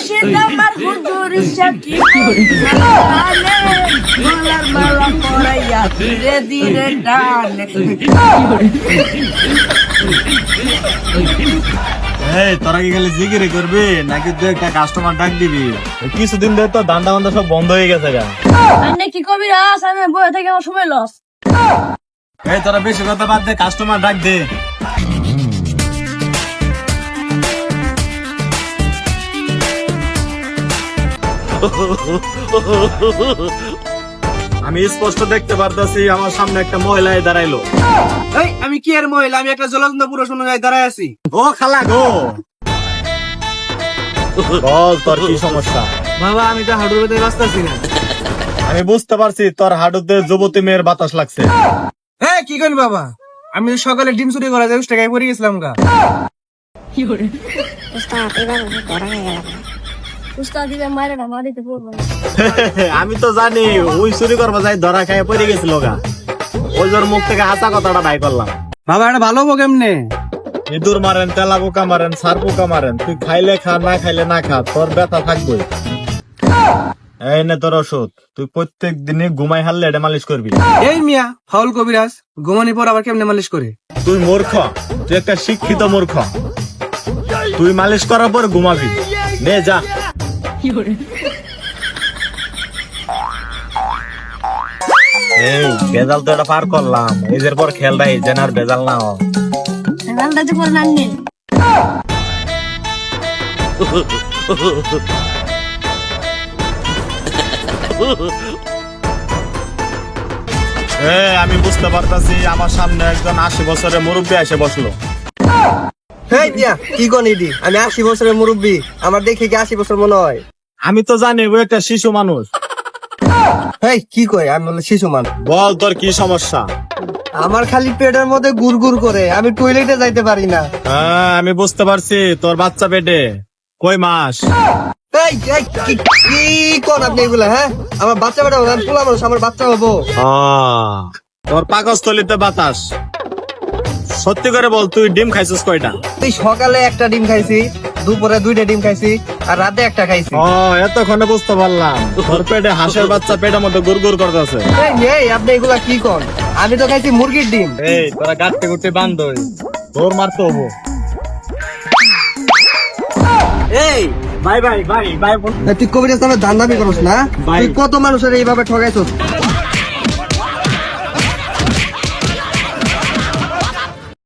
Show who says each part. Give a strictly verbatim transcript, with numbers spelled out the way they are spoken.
Speaker 1: মুর্শিদ আমার হুজুর সাকি গলার মালা পরাইয়া ধীরে ধীরে টানে।
Speaker 2: এই তোরা কি খালি জিকিরি করবি নাকি তুই একটা কাস্টমার ডাক দিবি? কিছুদিন ধরে তো দান্ডা বান্দা সব বন্ধ হয়ে গেছে গা।
Speaker 1: আন্নে কি কবি রাস, আমি বয়ে থেকে আমার সময় লস।
Speaker 2: এই তোরা বেশি কথা বাদ দে, কাস্টমার ডাক দে। আমি স্পষ্ট দেখতে পারতাছি আমার সামনে একটা মহিলা দাঁড়াইলো।
Speaker 3: এই আমি কি আর মহিলা, আমি একটা জলন্ত পুরুষ অনুযায়ী দাঁড়ায় আছি।
Speaker 2: ও খালা গো, বল তোর কি সমস্যা?
Speaker 3: বাবা আমি তো হাঁটুর ভেতরে বাঁচতেছি না।
Speaker 2: আমি বুঝতে পারছি তোর হাঁটুতে যুবতী মেয়ের বাতাস লাগছে।
Speaker 3: হ্যাঁ কি করি বাবা, আমি তো সকালে ডিম চুরি করা যায় টাকায় পড়ে গেছিলাম গা।
Speaker 4: উস্তাদ এবার ধরা হয়ে গেল।
Speaker 1: উস্তাদ দিবে মারে না, মারিতে পড়বো না।
Speaker 2: আমি তো জানি ওই চুরি করবা যাই ধরা খায় পড়ে গেছিল গা। ওই জোর মুখ থেকে হাসা কথাটা বাই করলাম।
Speaker 3: বাবা এটা ভালো হবো কেমনে?
Speaker 2: ইঁদুর মারেন, তেলা পোকা মারেন, সার পোকা মারেন, তুই খাইলে খা না খাইলে না খা, তোর ব্যথা থাকবে। এই নে তোর ওষুধ, তুই প্রত্যেক দিনে ঘুমাই হারলে এটা মালিশ করবি।
Speaker 3: এই মিয়া ফাউল কবিরাজ, ঘুমানি পর আবার কেমনে মালিশ করে?
Speaker 2: তুই মূর্খ, তুই একটা শিক্ষিত মূর্খ। তুই মালিশ করার পর ঘুমাবি। নে যা। এই বেজাল তো এটা পার করলাম, এদের পর খেয়াল রাখি যেন আর বেজাল না হয়।
Speaker 1: রান্নাতে করে আননি।
Speaker 2: এ, আমি বুঝতে পারতাছি আমার সামনে একজন আশি বছরের মুরব্বী এসে বসলো।
Speaker 3: হেই মিয়া কি কোন ইডি, আমি আশি বছরের মুরব্বী, আমার দেখে কি আশি বছর মনে হয়?
Speaker 2: আমি তো জানি ও একটা শিশু মানুষ।
Speaker 3: হেই কি কয়, আমি বলে শিশু মান।
Speaker 2: বল তোর কি সমস্যা?
Speaker 3: আমার খালি পেটের মধ্যে গুড় গুড় করে, আমি টয়লেটে যাইতে পারি না।
Speaker 2: হ্যাঁ আমি বুঝতে পারছি, তোর বাচ্চা পেটে কয় মাস?
Speaker 3: এই এই, কি কি কোন আপনি এগুলা? হ্যাঁ আমার বাচ্চা বেটা হবে, আমি পোলা মানুষ, আমার বাচ্চা হবো।
Speaker 2: আহ, তোর পাকস্থলিতে বাতাস। সত্যি করে বল তুই ডিম খাইছিস কয়টা?
Speaker 3: তুই সকালে একটা ডিম খাইছি, দুপুরে দুইটা ডিম খাইছি, আর রাতে একটা খাইছি।
Speaker 2: ও এতক্ষণে বুঝতে পারলাম তোর পেটে হাঁসের বাচ্চা পেটের মধ্যে গুড়গুড় করতেছে।
Speaker 3: এই, এই আপনি এগুলা কি কোন? আমি তো খাইছি মুরগির ডিম।
Speaker 2: এই তোরা গাঁটতে গুটতে বান্ধ, তোর মারতে হবো।
Speaker 3: এই
Speaker 2: ভাই ভাই ভাই ভাই
Speaker 3: তুই কবিরাজ নামে দান্দামি করস না?
Speaker 2: ভাই।
Speaker 3: তুই কত মানুষের এইভাবে ঠকাইছস?